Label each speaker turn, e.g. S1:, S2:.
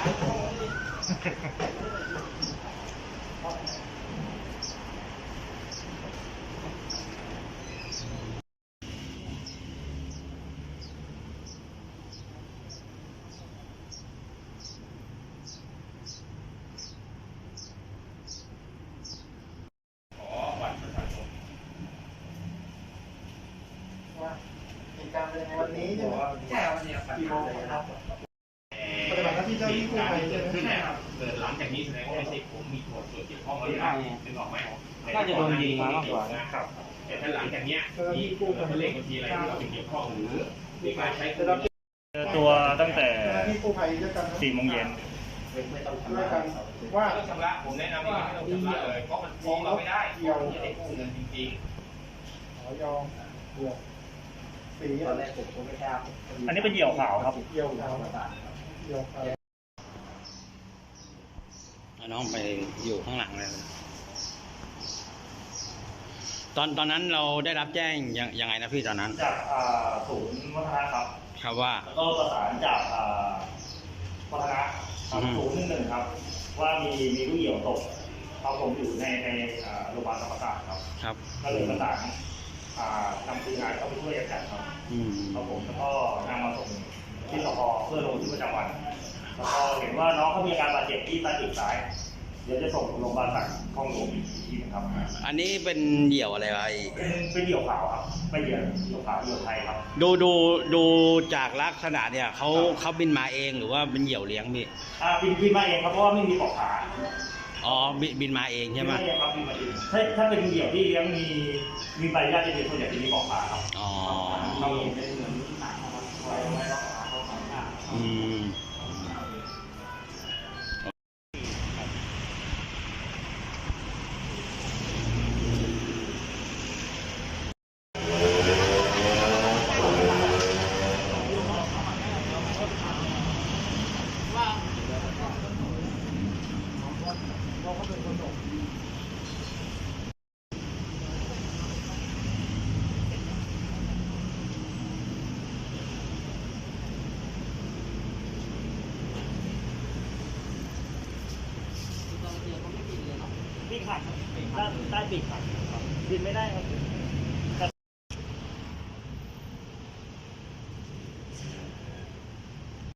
S1: วันนี้ใช่ไหมใช่วันนี้กี่โมงครับปฏิบัติหน้าที่เจ้าหน้าที่กู้ภัยใช่ไหมใช่ครับ
S2: หลังจากนี้แสดงว่าไม่ใช่ผมมีส่วนเกี่ยวข้องอะไรนึกออกไหม
S3: น่าจะโดนยิงมามากกว่า
S2: นะครับแต่ถ้าหลังจากนี้มีกู้ภัยเลขบัญชีอะไรที่เราเกี่ยวข้องหรือมีการใช้
S3: ตัวตั้งแต่
S1: ที่กู้ภัยด้วยกัน
S3: 4 โมงเย็น
S1: ด้วยกันว่า
S2: ต้องชำระผมแนะนำว่าไม่ต้องชำระเลยเพราะมันฟ้องเราไม่ได้ไม่ได้กู้เงินจริง
S1: ขอยอมเดี๋ยวสีตอนแรกผมไม่ทราบ
S3: อันนี้เป็นเหยี่ยวขาวครับ
S1: เหยี่ยวขาวเหยี่ยวขาว
S4: น้องไปอยู่ข้างหลังเลยตอนนั้นเราได้รับแจ้งยังไงนะพี่ตอนนั้น
S3: จากศูนย์วัฒนะครับ
S4: ครับว่า
S3: แล้วก็ประสานจากวัฒนะ011ครับว่ามีลูกเหยี่ยวตกเขาผมอยู่ในโรงพยาบาลธรรมศาสตร์ครับก็เลยประสานนำทีมงานเข้าไปช่วยกันครับครับผมแล้วก็นำมาส่งที่สพเพื่อลงบันทึกประจำวันแล้วก็เห็นว่าน้องเขามีอาการบาดเจ็บที่ตาปีกซ้ายเดี๋ยวจะส่งโรงพยาบาลสักคลองหลวงอีกทีนะครับ
S4: อันนี้เป็นเหยี่ยวอะไรวะ
S3: เป็นเหยี่ยวขาวครับเป็นเหยี่ยวขาวเหยี่ยวไทยครับ
S4: ดูจากลักษณะเนี่ยเขาบินมาเองหรือว่าเป็นเหยี่ยวเลี้ยงพี่
S3: บินมาเองครับเพราะว่าไม่มีปลอกขา
S4: อ๋อบินมาเองใช่ไหม
S3: ครับบินมาเองถ้าเป็นเหยี่ยวที่เลี้ยงมีใบญาติจะเป็นส่วนใหญ่จะมีปลอกขาครับ
S4: อ๋อ
S3: เราเห็นเป็นเหมือนหนังครับไว้รักษาเขาสองข้างปีกหักใต้ปีกหักบินไม่ได้ครับ